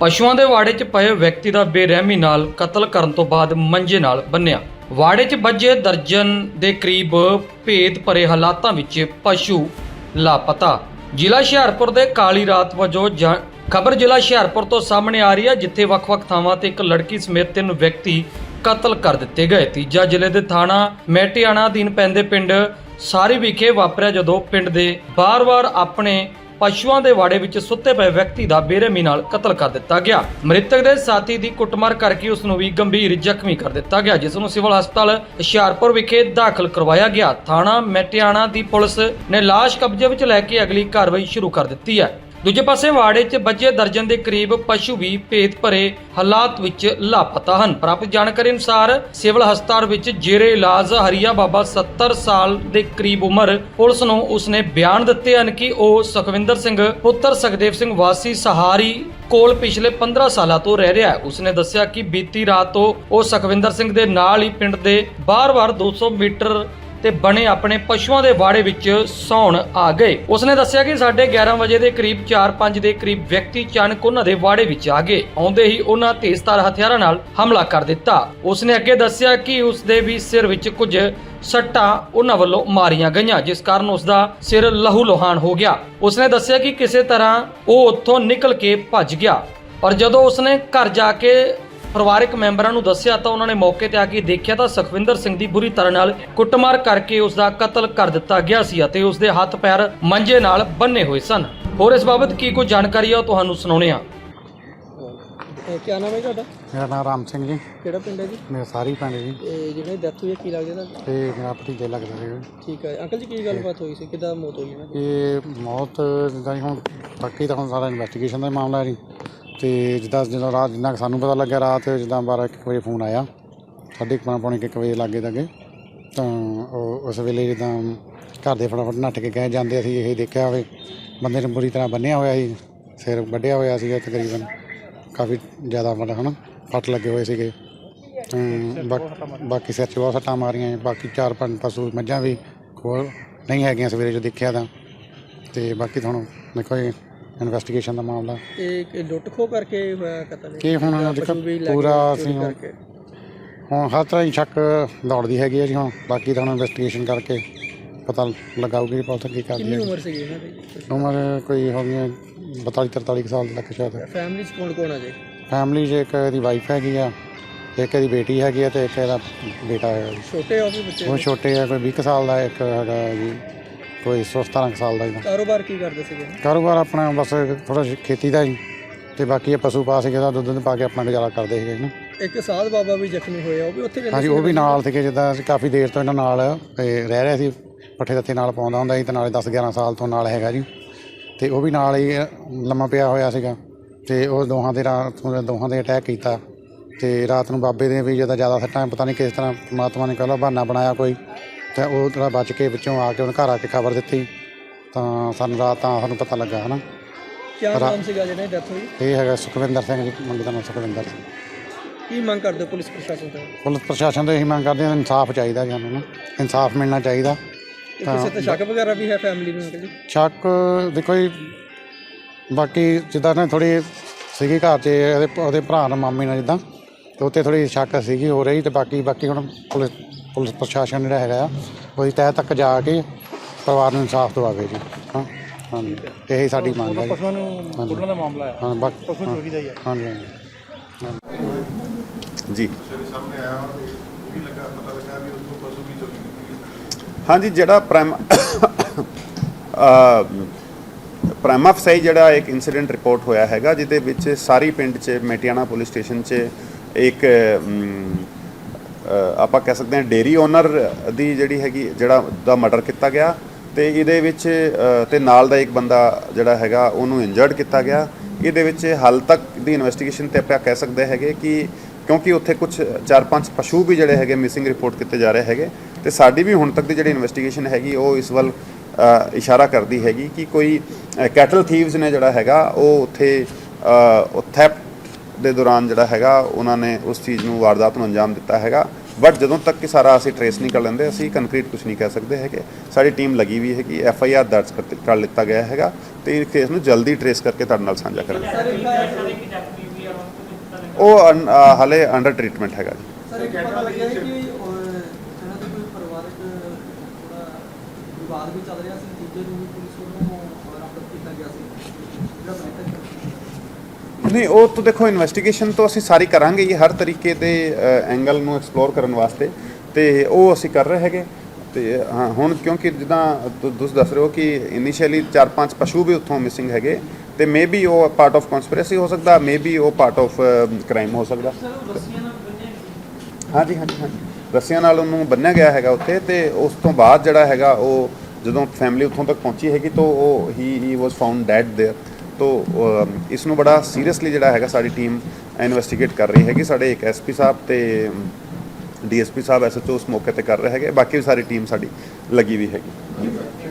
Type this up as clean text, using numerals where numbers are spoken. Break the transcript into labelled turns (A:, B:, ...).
A: ਪਸ਼ੂਆਂ ਦੇ ਵਾੜੇ 'ਚ ਪਏ ਵਿਅਕਤੀ ਦਾ ਬੇਰਹਿਮੀ ਨਾਲ ਕਤਲ ਕਰਨ ਤੋਂ ਬਾਅਦ ਮੰਜੇ ਨਾਲ ਬੰਨਿਆ। ਵਾੜੇ 'ਚ ਵੱਜੇ ਦਰਜਨ ਦੇ ਕਰੀਬ ਭੇਦ ਭਰੇ ਹਾਲਾਤਾਂ ਵਿੱਚ ਪਸ਼ੂ ਲਾਪਤਾ। ਜ਼ਿਲ੍ਹਾ ਹੁਸ਼ਿਆਰਪੁਰ ਦੇ ਕਾਲੀ ਰਾਤ ਵਜੋਂ ਖਬਰ ਜ਼ਿਲ੍ਹਾ ਹੁਸ਼ਿਆਰਪੁਰ ਤੋਂ ਸਾਹਮਣੇ ਆ ਰਹੀ ਹੈ, ਜਿੱਥੇ ਵੱਖ-ਵੱਖ ਥਾਵਾਂ ਤੇ ਇੱਕ ਲੜਕੀ ਸਮੇਤ 3 ਵਿਅਕਤੀ ਕਤਲ ਕਰ ਦਿੱਤੇ ਗਏ। ਤੀਜਾ ਜ਼ਿਲ੍ਹੇ ਦੇ ਥਾਣਾ ਮੈਟਿਆਣਾ ਅਧੀਨ ਪੈਂਦੇ ਪਿੰਡ ਸਾਰੀ ਵਿਖੇ ਵਾਪਰਿਆ, ਜਦੋਂ ਪਿੰਡ ਦੇ ਬਾਰ-ਬਾਰ ਆਪਣੇ ਪਸ਼ੂਆਂ ਦੇ ਵਾੜੇ ਵਿੱਚ ਸੁੱਤੇ ਪਏ ਵਿਅਕਤੀ ਦਾ ਬੇਰਹਿਮੀ ਨਾਲ ਕਤਲ ਕਰ ਦਿੱਤਾ ਗਿਆ। ਮ੍ਰਿਤਕ ਦੇ ਸਾਥੀ ਦੀ ਕੁੱਟਮਾਰ ਕਰਕੇ ਉਸ ਨੂੰ ਵੀ ਗੰਭੀਰ ਜ਼ਖਮੀ ਕਰ ਦਿੱਤਾ ਗਿਆ, ਜਿਸ ਨੂੰ ਸਿਵਲ ਹਸਪਤਾਲ ਹੁਸ਼ਿਆਰਪੁਰ ਵਿਖੇ ਦਾਖਲ ਕਰਵਾਇਆ ਗਿਆ। ਥਾਣਾ ਮੈਟਿਆਣਾ ਦੀ ਪੁਲਿਸ ਨੇ ਲਾਸ਼ ਕਬਜ਼ੇ ਵਿੱਚ ਲੈ ਕੇ ਅਗਲੀ ਕਾਰਵਾਈ ਸ਼ੁਰੂ ਕਰ ਦਿੱਤੀ ਹੈ। ਦੂਜੇ ਪਾਸੇ ਵਾੜੇ 'ਚ ਵੱਜੇ ਦਰਜਨ ਦੇ ਕਰੀਬ ਪਸ਼ੂ ਵੀ ਭੇਦ ਭਰੇ ਹਾਲਾਤ ਵਿੱਚ ਲਾਪਤਾ ਹਨ। ਪ੍ਰਾਪਤ ਜਾਣਕਾਰੀ ਅਨੁਸਾਰ ਸਿਵਲ ਹਸਪਤਾਲ ਵਿੱਚ ਜੇਰੇ ਇਲਾਜ ਹਰੀਆ ਬਾਬਾ 70 ਸਾਲ ਦੇ ਕਰੀਬ ਉਮਰ ਪੁਲਿਸ ਨੂੰ ਉਸਨੇ ਬਿਆਨ ਦਿੱਤੇ ਹਨ ਕਿ ਉਹ ਸੁਖਵਿੰਦਰ ਸਿੰਘ ਪੁੱਤਰ ਸੁਖਦੇਵ ਸਿੰਘ ਵਾਸੀ ਸਹਾਰੀ ਕੋਲ ਪਿਛਲੇ 15 ਸਾਲਾਂ ਤੋਂ ਰਹਿ ਰਿਹਾ ਹੈ। ਉਸਨੇ ਦੱਸਿਆ ਕਿ ਬੀਤੀ ਰਾਤ ਤੋਂ ਉਹ ਸੁਖਵਿੰਦਰ ਸਿੰਘ ਦੇ ਨਾਲ ਹੀ ਪਿੰਡ ਦੇ ਬਾਰ-ਬਾਰ 200 ਮੀਟਰ ਤੇ ਬਣੇ ਆਪਣੇ ਪਸ਼ੂਆਂ ਦੇ ਵਾੜੇ ਵਿੱਚ ਸੌਣ ਆ ਗਏ। ਉਸਨੇ ਦੱਸਿਆ ਕਿ 11:30 ਵਜੇ ਦੇ ਕਰੀਬ 4-5 ਦੇ ਕਰੀਬ ਵਿਅਕਤੀ ਅਚਾਨਕ ਉਹਨਾਂ ਦੇ ਵਾੜੇ ਵਿੱਚ ਆ ਗਏ। ਆਉਂਦੇ ਹੀ ਉਹਨਾਂ ਤੇਜ਼ਧਾਰ ਹਥਿਆਰਾਂ ਨਾਲ ਹਮਲਾ ਕਰ ਦਿੱਤਾ। ਉਸਨੇ ਅੱਗੇ ਦੱਸਿਆ ਕਿ ਉਸਦੇ ਵੀ ਸਿਰ ਵਿੱਚ ਕੁਝ ਸੱਟਾਂ ਉਹਨਾਂ ਵੱਲੋਂ ਮਾਰੀਆਂ ਗਈਆਂ, ਜਿਸ ਕਾਰਨ ਉਸਦਾ ਸਿਰ ਲਹੂ ਲੋਹਾਨ ਹੋ ਗਿਆ। ਉਸਨੇ ਦੱਸਿਆ ਕਿ ਕਿਸੇ ਤਰ੍ਹਾਂ ਉਹ ਉੱਥੋਂ ਨਿਕਲ ਕੇ ਭੱਜ ਗਿਆ, ਪਰ ਜਦੋਂ ਉਸਨੇ ਘਰ ਜਾ ਕੇ ਪਰਿਵਾਰਕ ਮੈਂਬਰਾਂ ਨੂੰ ਦੱਸਿਆ ਤਾਂ ਉਹਨਾਂ ਨੇ ਮੌਕੇ ਤੇ ਆ ਕੇ ਦੇਖਿਆ ਤਾਂ ਸੁਖਵਿੰਦਰ ਸਿੰਘ ਦੀ ਬੁਰੀ ਤਰ੍ਹਾਂ ਨਾਲ ਕੁੱਟਮਾਰ ਕਰਕੇ ਉਸ ਦਾ ਕਤਲ ਕਰ ਦਿੱਤਾ ਗਿਆ ਸੀ ਅਤੇ ਉਸ ਦੇ ਹੱਥ ਪੈਰ ਮੰਜੇ ਨਾਲ ਬੰਨੇ ਹੋਏ ਸਨ। ਹੋਰ ਇਸ ਬਾਬਤ ਕੀ ਕੋਈ ਜਾਣਕਾਰੀ ਆ ਉਹ ਤੁਹਾਨੂੰ ਸੁਣਾਉਣੇ ਆ।
B: क्या नाम है ਤੁਹਾਡਾ?
C: ਮੇਰਾ ਨਾਮ ਰਾਮ ਸਿੰਘ ਜੀ।
B: ਕਿਹੜਾ ਪਿੰਡ ਹੈ ਜੀ?
C: ਮੇਰਾ ਸਾਰੀ ਪਿੰਡ ਜੀ।
B: ਜਿਹਨੇ ਡੈਥ ਹੋਈ ਹੈ ਕੀ ਲੱਗਦਾ ਤੁਹਾਨੂੰ?
C: ਤੇ ਮੇਰਾ ਭਤੀਜਾ ਲੱਗਦਾ ਸੀ।
B: ਠੀਕ ਹੈ ਅੰਕਲ ਜੀ, ਕੀ ਗੱਲਬਾਤ ਹੋਈ ਸੀ, ਕਿੱਦਾਂ ਮੌਤ ਹੋਈ ਇਹਨਾਂ ਦੀ?
C: ਇਹ ਮੌਤ ਜਿੱਦਾਂ ਜੀ ਹੁਣ ਬਾਕੀ ਤਾਂ ਹੁਣ ਸਾਰਾ ਇਨਵੈਸਟੀਗੇਸ਼ਨ ਦਾ ਮਾਮਲਾ ਹੈ ਜੀ। ਤੇ ਜਦੋਂ ਰਾਤ ਜਿੰਨਾ ਸਾਨੂੰ ਪਤਾ ਲੱਗਿਆ, ਰਾਤ ਜਿੱਦਾਂ 12-1 ਵਜੇ ਫੋਨ ਆਇਆ, 12:30-1 ਵਜੇ ਲਾਗੇ ਤੱਕ, ਤਾਂ ਉਸ ਵੇਲੇ ਜਿੱਦਾਂ ਘਰ ਦੇ ਫਟਾਫਟ ਨੱਠ ਕੇ ਗਏ। ਜਾਂਦੇ ਅਸੀਂ ਇਹ ਦੇਖਿਆ ਹੋਵੇ ਬੰਦੇ ਨੂੰ ਬੁਰੀ ਤਰ੍ਹਾਂ ਬੰਨਿਆ ਹੋਇਆ ਸੀ, ਸਿਰ ਵੱਢਿਆ ਹੋਇਆ ਸੀਗਾ, ਤਕਰੀਬਨ ਕਾਫੀ ਜ਼ਿਆਦਾ ਮਤਲਬ ਹੈ ਨਾ ਫੱਟ ਲੱਗੇ ਹੋਏ ਸੀਗੇ। ਬਾਕੀ ਸਿਰ 'ਚ ਬਹੁਤ ਸੱਟਾਂ ਮਾਰੀਆਂ। ਬਾਕੀ 4-5 ਪਸ਼ੂ ਮੱਝਾਂ ਵੀ ਕੋਲ ਨਹੀਂ ਹੈਗੀਆਂ ਸਵੇਰੇ ਜੋ ਦੇਖਿਆ ਤਾਂ। ਅਤੇ ਬਾਕੀ ਤੁਹਾਨੂੰ ਦੇਖੋ ਜੀ ਇਨਵੈਸਟੀਗੇਸ਼ਨ ਦਾ ਮਾਮਲਾ
B: ਇਹ ਲੁੱਟ ਖੋਹ ਕਰਕੇ ਹੋਇਆ ਕਤਲ?
C: ਕੀ ਹੁਣ ਪੂਰਾ ਅਸੀਂ ਹੁਣ ਹਰ ਤਰ੍ਹਾਂ ਹੀ ਸ਼ੱਕ ਦੌੜਦੀ ਹੈਗੀ ਹੈ ਜੀ। ਹੁਣ ਬਾਕੀ ਤਾਂ ਹੁਣ ਇਨਵੈਸਟੀਗੇਸ਼ਨ ਕਰਕੇ ਪਤਾ ਲਗਾਊਗੀ ਪੁਲਿਸ ਕੀ ਕਰਦੀ ਹੈ।
B: ਕਿੰਨੀ ਉਮਰ ਸੀਗੀ ਇਹਨਾਂ ਦੀ?
C: ਉਮਰ ਕੋਈ ਹੋ ਗਈ 42-43 ਸਾਲ ਤੱਕ ਸ਼ਾਇਦ।
B: ਫੈਮਿਲੀ 'ਚ ਕੌਣ ਆ ਜੀ?
C: ਫੈਮਿਲੀ 'ਚ ਇੱਕ ਇਹਦੀ ਵਾਈਫ ਹੈਗੀ ਆ, ਇੱਕ ਇਹਦੀ ਬੇਟੀ ਹੈਗੀ ਆ, ਅਤੇ ਇੱਕ ਇਹਦਾ ਬੇਟਾ ਹੈਗਾ ਜੀ।
B: ਛੋਟੇ ਆ ਉਹ ਵੀ ਬੱਚੇ?
C: ਉਹ ਛੋਟੇ ਆ, ਕੋਈ 20 ਕੁ ਸਾਲ ਦਾ, ਇੱਕ ਹੈਗਾ ਜੀ ਕੋਈ 17 ਕੁ ਸਾਲ ਦਾ ਜੀ।
B: ਕਾਰੋਬਾਰ ਕੀ ਕਰਦੇ ਸੀਗੇ?
C: ਕਾਰੋਬਾਰ ਆਪਣਾ ਬਸ ਥੋੜ੍ਹਾ ਖੇਤੀ ਦਾ ਜੀ, ਅਤੇ ਬਾਕੀ ਇਹ ਪਸ਼ੂ ਪਾ ਸੀਗੇ ਦਾ ਦੁੱਧ ਪਾ ਕੇ ਆਪਣਾ ਗੁਜ਼ਾਰਾ ਕਰਦੇ ਸੀਗੇ ਨਾ।
B: ਇੱਕ ਸਾਧ ਬਾਬਾ ਵੀ ਜ਼ਖਮੀ ਹੋਇਆ, ਉਹ ਵੀ ਉੱਥੇ?
C: ਹਾਂਜੀ, ਉਹ ਵੀ ਨਾਲ ਸੀਗੇ। ਜਿੱਦਾਂ ਅਸੀਂ ਕਾਫੀ ਦੇਰ ਤੋਂ ਇਹਨਾਂ ਨਾਲ ਰਹਿ ਰਿਹਾ ਸੀ, ਪੱਠੇ ਦੱਥੇ ਨਾਲ ਪਾਉਂਦਾ ਹੁੰਦਾ ਸੀ, ਅਤੇ ਨਾਲੇ 10-11 ਸਾਲ ਤੋਂ ਨਾਲ ਹੈਗਾ ਜੀ। ਅਤੇ ਉਹ ਵੀ ਨਾਲ ਹੀ ਲੰਮਾ ਪਿਆ ਹੋਇਆ ਸੀਗਾ, ਅਤੇ ਉਹ ਦੋਹਾਂ ਦੇ ਅਟੈਕ ਕੀਤਾ। ਅਤੇ ਰਾਤ ਨੂੰ ਬਾਬੇ ਦੇ ਵੀ ਜ਼ਿਆਦਾ ਸੱਟਾਂ, ਪਤਾ ਨਹੀਂ ਕਿਸ ਤਰ੍ਹਾਂ ਪਰਮਾਤਮਾ ਨੇ ਕਹਿ ਬਹਾਨਾ ਬਣਾਇਆ ਕੋਈ, ਅਤੇ ਉਹ ਥੋੜ੍ਹਾ ਬਚ ਕੇ ਵਿੱਚੋਂ ਆ ਕੇ ਉਹਨੇ ਘਰ ਆ ਕੇ ਖਬਰ ਦਿੱਤੀ, ਤਾਂ ਸਾਨੂੰ ਰਾਤ ਤਾਂ ਸਾਨੂੰ ਪਤਾ ਲੱਗਾ ਹੈ ਨਾ।
B: ਕੀ ਨਾਮ ਸੀਗਾ ਜਿਹਨੇ ਡੈਥ ਹੋਈ?
C: ਇਹ ਹੈਗਾ ਸੁਖਵਿੰਦਰ ਸਿੰਘ ਜੀ, ਮੁੰਡੇ ਦਾ ਨਾਮ ਸੁਖਵਿੰਦਰ ਸਿੰਘ।
B: ਕੀ ਮੰਗ ਕਰਦੇ ਪੁਲਿਸ ਪ੍ਰਸ਼ਾਸਨ ਤੋਂ?
C: ਪੁਲਿਸ ਪ੍ਰਸ਼ਾਸਨ ਤੋਂ ਇਹੀ ਮੰਗ ਕਰਦੇ ਹਾਂ, ਇਨਸਾਫ ਚਾਹੀਦਾ ਜੀ ਸਾਨੂੰ ਨਾ, ਇਨਸਾਫ ਮਿਲਣਾ ਚਾਹੀਦਾ।
B: ਕਿਸੇ ਤੇ ਸ਼ੱਕ ਵਗੈਰਾ ਵੀ ਹੈ ਫੈਮਿਲੀ ਨੂੰ? ਜੀ
C: ਸ਼ੱਕ ਦੇਖੋ ਜੀ, ਬਾਕੀ ਜਿੱਦਾਂ ਨਾ ਥੋੜ੍ਹੀ ਸੀਗੀ ਘਰ 'ਚ ਉਹਦੇ ਭਰਾ ਨਾਲ, ਮਾਮੇ ਨਾਲ, ਜਿੱਦਾਂ ਅਤੇ ਉੱਥੇ ਥੋੜ੍ਹੀ ਸ਼ੱਕ ਸੀਗੀ ਹੋ ਰਹੀ। ਅਤੇ ਬਾਕੀ ਹੁਣ ਪੁਲਿਸ ਪ੍ਰਸ਼ਾਸਨ ਜਿਹੜਾ ਹੈਗਾ ਆ, ਉਹਦੀ ਤਹਿ ਤੱਕ ਜਾ ਕੇ ਪਰਿਵਾਰ ਨੂੰ ਇਨਸਾਫ ਦਿਵਾਵੇ ਜੀ। ਹਾਂ ਹਾਂਜੀ, ਇਹੀ ਸਾਡੀ ਮੰਗ ਹੈ ਜੀ। ਹਾਂ ਹਾਂਜੀ
D: ਜੀ ਹਾਂਜੀ, ਜਿਹੜਾ ਪ੍ਰਾਈਮਾ ਫਸਾਈ ਜਿਹੜਾ ਇੱਕ ਇਨਸੀਡੈਂਟ ਰਿਪੋਰਟ ਹੋਇਆ ਹੈਗਾ, ਜਿਹਦੇ ਵਿੱਚ ਸਾਰੀ ਪਿੰਡ 'ਚ ਮੈਟਿਆਣਾ ਪੁਲਿਸ ਸਟੇਸ਼ਨ 'ਚ ਇੱਕ ਆਪਾਂ ਕਹਿ ਸਕਦੇ ਹਾਂ ਡੇਅਰੀ ਓਨਰ ਦੀ ਜਿਹੜੀ ਹੈਗੀ ਦਾ ਮਰਡਰ ਕੀਤਾ ਗਿਆ, ਅਤੇ ਇਹਦੇ ਵਿੱਚ ਅਤੇ ਨਾਲ ਦਾ ਇੱਕ ਬੰਦਾ ਜਿਹੜਾ ਹੈਗਾ ਉਹਨੂੰ ਇੰਜਰਡ ਕੀਤਾ ਗਿਆ। ਇਹਦੇ ਵਿੱਚ ਹਾਲ ਤੱਕ ਦੀ ਇਨਵੈਸਟੀਗੇਸ਼ਨ 'ਤੇ ਆਪਾਂ ਕਹਿ ਸਕਦੇ ਹੈਗੇ ਕਿ ਕਿਉਂਕਿ ਉੱਥੇ ਕੁਝ 4-5 ਪਸ਼ੂ ਵੀ ਜਿਹੜੇ ਹੈਗੇ ਮਿਸਿੰਗ ਰਿਪੋਰਟ ਕੀਤੇ ਜਾ ਰਹੇ ਹੈਗੇ, ਅਤੇ ਸਾਡੀ ਵੀ ਹੁਣ ਤੱਕ ਦੀ ਜਿਹੜੀ ਇਨਵੈਸਟੀਗੇਸ਼ਨ ਹੈਗੀ ਉਹ ਇਸ ਵੱਲ ਇਸ਼ਾਰਾ ਕਰਦੀ ਹੈਗੀ ਕਿ ਕੋਈ ਕੈਟਲ ਥੀਵਸ ਨੇ ਜਿਹੜਾ ਹੈਗਾ ਉਹ ਉੱਥੇ ਥੈਫਟ ਦੇ ਦੌਰਾਨ ਜਿਹੜਾ ਹੈਗਾ ਉਹਨਾਂ ਨੇ ਉਸ ਚੀਜ਼ ਨੂੰ, ਵਾਰਦਾਤ ਨੂੰ ਅੰਜਾਮ ਦਿੱਤਾ ਹੈਗਾ। ਬਟ ਜਦੋਂ ਤੱਕ ਕਿ ਸਾਰਾ ਅਸੀਂ ਟਰੇਸ ਨਹੀਂ ਕਰ ਲੈਂਦੇ, ਅਸੀਂ ਕੰਕਰੀਟ ਕੁਝ ਨਹੀਂ ਕਹਿ ਸਕਦੇ ਹੈਗੇ। ਸਾਡੀ ਟੀਮ ਲੱਗੀ ਵੀ ਹੈ ਕਿ FIR ਦਰਜ ਕਰ ਲਿੱਤਾ ਗਿਆ ਹੈਗਾ, ਅਤੇ ਇਸ ਕੇਸ ਨੂੰ ਜਲਦੀ ਟਰੇਸ ਕਰਕੇ ਤੁਹਾਡੇ ਨਾਲ ਸਾਂਝਾ ਕਰਾਂਗੇ। ਉਹ ਹਾਲੇ ਅੰਡਰ ਟ੍ਰੀਟਮੈਂਟ ਹੈਗਾ ਜੀ।
B: ਸਰ ਇੱਕ ਪਤਾ ਲੱਗਿਆ ਹੈ ਕਿ ਇਹਨਾਂ ਦੇ ਕੋਈ ਪਰਿਵਾਰਕ ਥੋੜਾ ਵਿਵਾਦ ਵੀ ਚੱਲ ਰਿਹਾ ਸੀ, ਦੂਜੇ ਨੂੰ ਵੀ ਪੁਲਿਸ ਵੱਲੋਂ ਰਾਉਂਡ ਅਪ ਕੀਤਾ ਗਿਆ ਸੀ ਜਿਹੜਾ ਬਲੈਕ
D: ਨਹੀਂ, ਉਹ ਤਾਂ ਦੇਖੋ ਇਨਵੈਸਟੀਗੇਸ਼ਨ ਤੋਂ ਅਸੀਂ ਸਾਰੀ ਕਰਾਂਗੇ ਜੀ, ਹਰ ਤਰੀਕੇ ਦੇ ਐਂਗਲ ਨੂੰ ਐਕਸਪਲੋਰ ਕਰਨ ਵਾਸਤੇ, ਤੇ ਉਹ ਅਸੀਂ ਕਰ ਰਹੇ ਹੈਗੇ। ਤੇ ਹਾਂ, ਹੁਣ ਕਿਉਂਕਿ ਜਿੱਦਾਂ ਤੁਸੀਂ ਦੱਸ ਰਹੇ ਹੋ ਕਿ ਇਨੀਸ਼ੀਅਲੀ 4-5 ਪਸ਼ੂ ਵੀ ਉੱਥੋਂ ਮਿਸਿੰਗ ਹੈਗੇ, ਤੇ ਮੇ ਬੀ ਉਹ ਪਾਰਟ ਆਫ ਕਨਸਪੀਰੇਸੀ ਹੋ ਸਕਦਾ, ਮੇ ਬੀ ਉਹ ਪਾਰਟ ਆਫ ਕ੍ਰਾਈਮ ਹੋ ਸਕਦਾ। ਹਾਂਜੀ ਹਾਂਜੀ ਹਾਂਜੀ, ਰੱਸੀਆਂ ਨਾਲ ਉਹਨੂੰ ਬੰਨ੍ਹਿਆ ਗਿਆ ਹੈਗਾ ਉੱਥੇ, ਤੇ ਉਸ ਤੋਂ ਬਾਅਦ ਜਿਹੜਾ ਹੈਗਾ ਉਹ ਜਦੋਂ ਫੈਮਿਲੀ ਉੱਥੋਂ ਤੱਕ ਪਹੁੰਚੀ ਹੈਗੀ ਤਾਂ ਉਹ ਹੀ ਵਾਸ ਫਾਊਂਡ ਡੈਡ ਦੇਅਰ। ਤੋਂ ਇਸ ਨੂੰ ਬੜਾ ਸੀਰੀਅਸਲੀ ਜਿਹੜਾ ਹੈਗਾ ਸਾਡੀ ਟੀਮ ਇਨਵੈਸਟੀਗੇਟ ਕਰ ਰਹੀ ਹੈਗੀ। ਸਾਡੇ ਇੱਕ ਐਸਪੀ ਸਾਹਿਬ ਤੇ ਡੀਐਸਪੀ ਸਾਹਿਬ SHO ਉਸ ਮੌਕੇ ਤੇ ਕਰ ਰਹੇ ਹੈਗੇ, ਬਾਕੀ ਵੀ ਸਾਰੀ ਟੀਮ ਸਾਡੀ ਲੱਗੀ ਵੀ ਹੈਗੀ।